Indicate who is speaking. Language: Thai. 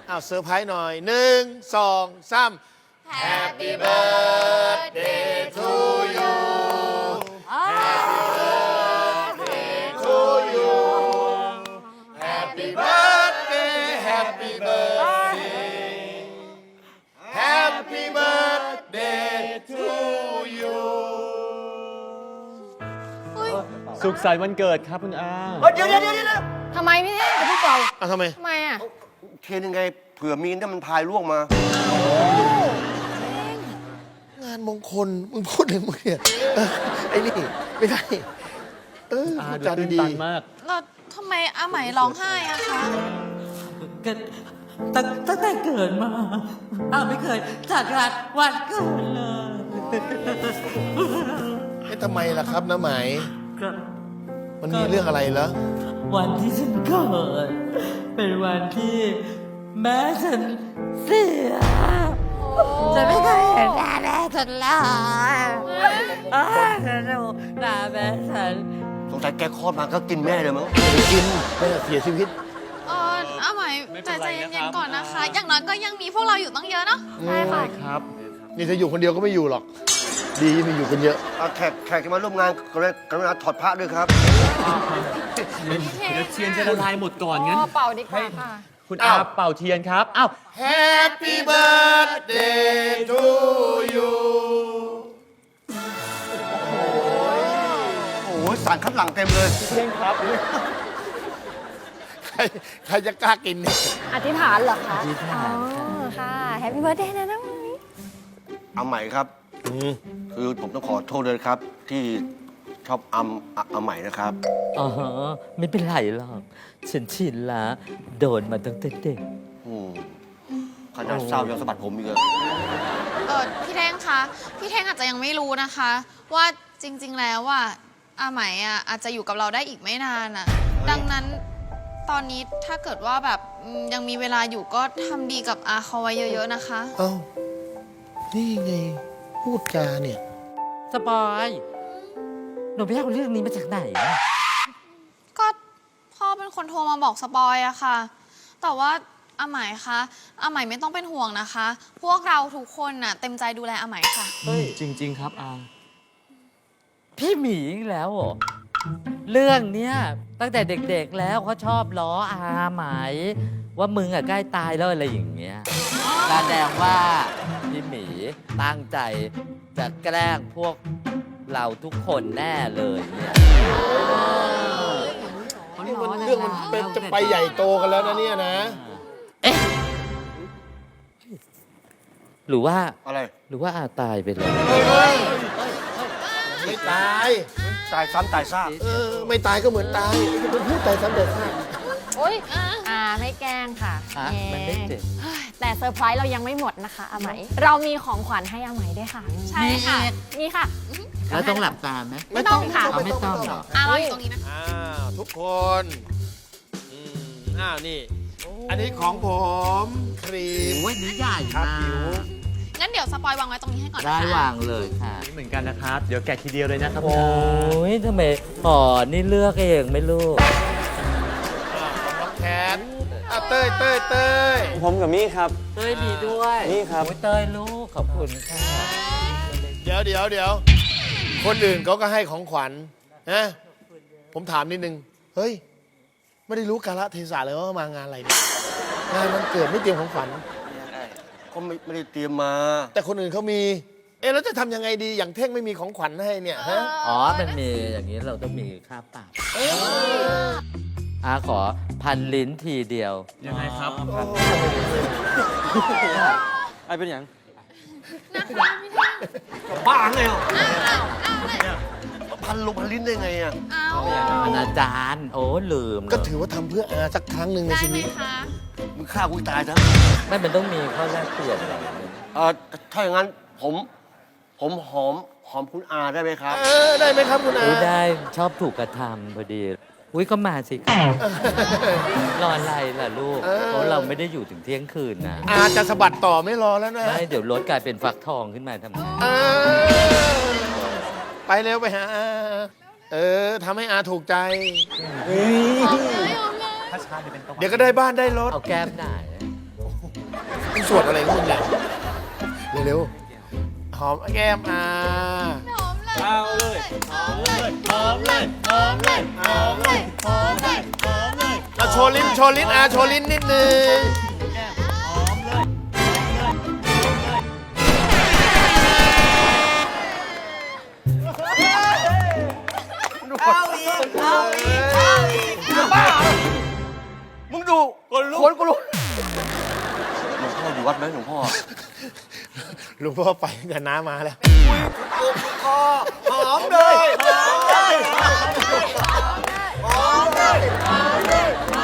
Speaker 1: อ้าวเซอร์ไพรส์หน่อย1 2 3 Happy birthday to you Happy birthday to you Happy birthday Happy birthday Happy birthday to you
Speaker 2: สุขสันต์วันเกิดครับคุณอา
Speaker 3: เดี๋ยว
Speaker 4: ทำไมพี่เท่งจะพูดเปล่า
Speaker 1: อ้าวทำไม
Speaker 4: ทำไมอ่ะ
Speaker 3: เทนยังไงเผื่อมีนถ้ามันพายล่วงมา
Speaker 1: งานมงคลมึงพูดเลยมึงเนี่ยไอ้นี่ไม่ได้พูด
Speaker 2: ดู
Speaker 1: จา
Speaker 2: ตื่น
Speaker 1: ดี
Speaker 2: ตันมาก
Speaker 5: แล้วทำไมอาไหมร้องไห้อะคะ
Speaker 6: ก็ตั้งแต่เกิดมาไม่เคยจัดงานวันเกิดเลย
Speaker 1: ๆไม่ทำไมล่ะครับน้าไหม
Speaker 6: ก็
Speaker 1: มันมีเรื่องอะไรเหรอ
Speaker 6: วันที่ฉันเกิดเป็นวันที่แม่ฉันเสียฉันไม่เคยเห็นหน้าแม่ฉันเลยฉันดูหน้าแม่ฉัน
Speaker 3: สงสัยแกคลอดมาก็กินแม่เลยมั้ง
Speaker 1: ไปกินแม่เสียชีวิต
Speaker 5: อาไหม
Speaker 2: ไม่เป็
Speaker 5: ใจ
Speaker 2: นไร
Speaker 5: เย็
Speaker 2: นะครับ
Speaker 5: นๆก่อนนะคะ อย่างน้อยก็ยังมีพวกเราอยู่ตั้งเยอะเนาะ
Speaker 4: ใช่ค่ะ
Speaker 2: ครับ
Speaker 1: นี่ถ้าอยู่คนเดียวก็ไม่อยู่หรอก ดีมีอยู่กันเยอะ
Speaker 3: แขกที่มาร่วมงานกรุณาถอดพระด้วยครับ
Speaker 2: เดี๋ยวเทียนจะละลายหมดก่อนงั้น
Speaker 4: เป่าดีกว่าค่ะ
Speaker 2: คุณอาเป่าเทียนครับ อ้าว
Speaker 1: Happy birthday to you
Speaker 3: โอ้ยสารคัดหลังเต็มเลย
Speaker 2: เทียนครับ
Speaker 1: ใครจะกล้ากินเนี่ย
Speaker 4: อธิษฐานเหรอคะ
Speaker 6: อธิษฐาน
Speaker 4: อ๋อค่ะแฮปปี้เบิร์ดเดย์นะน้องมิ
Speaker 3: เอาใหม่ครับ คือผมต้องขอโทษเลยครับ ที่ชอบเอาใหม่นะครับ
Speaker 6: อ๋อไม่เป็นไรหรอก ฉันชินละโดนมาตั้งแต่เด็ก
Speaker 3: ขนาดเศร้ายังสะบัดผมอีกเลย
Speaker 5: พี่เท่งคะ พี่เท่งอาจจะยังไม่รู้นะคะ ว่าจริง ๆ แล้วว่าอาไหมอะอาจจะอยู่กับเราได้อีกไม่นานอะดังนั้นตอนนี้ถ้าเกิดว่าแบบยังมีเวลาอยู่ก็ทำดีกับอาเขาไว้เยอะๆนะคะ
Speaker 1: เอ้า นี่ไง พูดจาเนี่ย
Speaker 6: สปอยหนูไปเอาเรื่องนี้มาจากไหนอะ
Speaker 5: ก็พ่อเป็นคนโทรมาบอกสปอยอะค่ะ แต่ว่าอาไหมคะอาไหมไม่ต้องเป็นห่วงนะคะ พวกเราทุกคนน่ะเต็มใจดูแลอาไหมค่ะ
Speaker 2: จริง ๆ ครับอา
Speaker 6: พี่หมีอีกแล้วเหรอ เรื่องเนี้ยตั้งแต่เด็กๆแล้วเขาชอบล้ออาไหม ว่ามึงอะใกล้ตายแล้วอะไรอย่างเงี้ยแสดงว่าพี่หมีตั้งใจจะแกล้งพวกเราทุกคนแน่เลยเนี่ย
Speaker 1: นี่มันเรื่องมันเป็นจะไปใหญ่โตกันแล้วนะเนี่ยนะ
Speaker 6: เอ๊ะหรือว่า
Speaker 3: อะไร
Speaker 6: หรือว่าอาตายไปแล้ว
Speaker 1: ไม่ตาย
Speaker 3: ตายซ้ำตายซาก
Speaker 1: ไม่ตายก็เหมือนตายมันพูดตายซ้ำแต่ซาก
Speaker 4: โอ๊ยไม่แกล้งค่ะ
Speaker 6: อ่ะ
Speaker 4: แห
Speaker 6: มันไม่เจ็บ
Speaker 4: แต่เซอร์ไพรส์เรายังไม่หมดนะคะอาไหม เรามีของขวัญให้อาไหมด้วยค่ะ
Speaker 5: ใช่ค่ะ
Speaker 4: มีค่ะ
Speaker 6: แล้วต้องหลับตาไหม
Speaker 4: ไม่ต้องค่ะ
Speaker 6: เอาไม่ต้องหรอ
Speaker 5: เราอยู่ตรงนี้นะ
Speaker 1: อ้าวทุกคนนี่ อันนี้ของผมครีม
Speaker 6: โอ้ยนี่ใหญ่
Speaker 1: ครับ
Speaker 6: มา
Speaker 1: ผิว
Speaker 6: ก
Speaker 5: งั้นเดี๋ยวสปอยวางไว้ตรงนี้ให้ก่อน
Speaker 6: ได้
Speaker 5: นะคะ
Speaker 6: วางเลยค่ะ
Speaker 2: นี่เหมือนกันนะครับ เดี๋ยวแกะทีเดียวเลยนะครับ
Speaker 6: โอ้ยทำไมอ๋อนี่เลือกเองไม่ลูก
Speaker 1: น้องแคทเต้ย
Speaker 2: ผมกับมี่ครับ
Speaker 6: เต้ยมีด้วย
Speaker 2: นี่ครับ
Speaker 6: โอ้ยเต้ยลูก ขอบคุณค่ะ
Speaker 1: เดี๋ยวคนอื่นเขาก็ให้ของขวัญนะผมถามนิดนึง เฮ้ย ไม่ได้รู้กาลเทศะเลยว่ามางานอะไรเนี่ยงานมันเกิดไม่เตรียมของขวัญ
Speaker 3: ก็ไม่ได้เตรียมมา
Speaker 1: แต่คนอื่นเขามี แล้วจะทำยังไงดีอย่างเท่งไม่มีของขวัญให้เนี่ยฮะ
Speaker 6: อ๋อ มันมีอย่างนี้เราต้องมีค่าปรับขอพันลิ้นทีเดียว
Speaker 2: ยังไงครับไอเป็นอย่าง
Speaker 3: บ้าไงอ่ะพันลงพันลิ้นได้ไงอ่ะ
Speaker 5: เอา
Speaker 6: อาจารย์ โอ้ลืม
Speaker 1: ก็ถือว่าทำเพื่ออาสักครั้งหนึ่งใน
Speaker 5: ได้
Speaker 1: ชี
Speaker 5: ไหม
Speaker 1: วิต
Speaker 5: คะ
Speaker 3: มึงฆ่ากูตายซะ
Speaker 6: ไม่มันต้องมีข้อแรกเปลี่ยนอะไรเนี่ย
Speaker 3: ถ้าอย่างนั้นผมหอมคุณอาได้ไหมครับ
Speaker 1: ได้ไหมครับคุณอา
Speaker 6: อุ้ยได้ชอบถูกกระทำพอดี อุ้ยก็มาสิครับรออะไรล่ะลูก เพราะเราไม่ได้อยู่ถึงเที่ยงคืนนะ
Speaker 1: อาจะสะบัดต่อไม่รอแล้วนะ
Speaker 6: ไม่เดี๋ยวรถกลายเป็นฟักทองขึ้นมาทำไง
Speaker 1: ไปเร็วไปหาอาทำให้อาถูกใจ
Speaker 5: เอาเลย
Speaker 1: เดี๋ยวก็ได้บ้านได้รถ
Speaker 6: เอาแก้มไหน
Speaker 1: โอ้โหสวดอะไรของมึงเนี่ยเร็วๆหอมแก้มอา
Speaker 2: เอาเลยหอมเลยหอมเลยหอมเลยหอมเลยหอมเลยหอมเลย
Speaker 1: มาโชว์ลิ้นโชว์ลิ้นอาโชว์ลิ้นนิดนึง
Speaker 2: หอมเลยหอมเลย
Speaker 3: มึงดูคนกูรู้หลวงพ่ออยู่วัดไหมหลวงพ่อ
Speaker 1: หลวงพ่อไปกับน้ามาแล้ว
Speaker 3: หอมเลยหอมเลยหอมเลย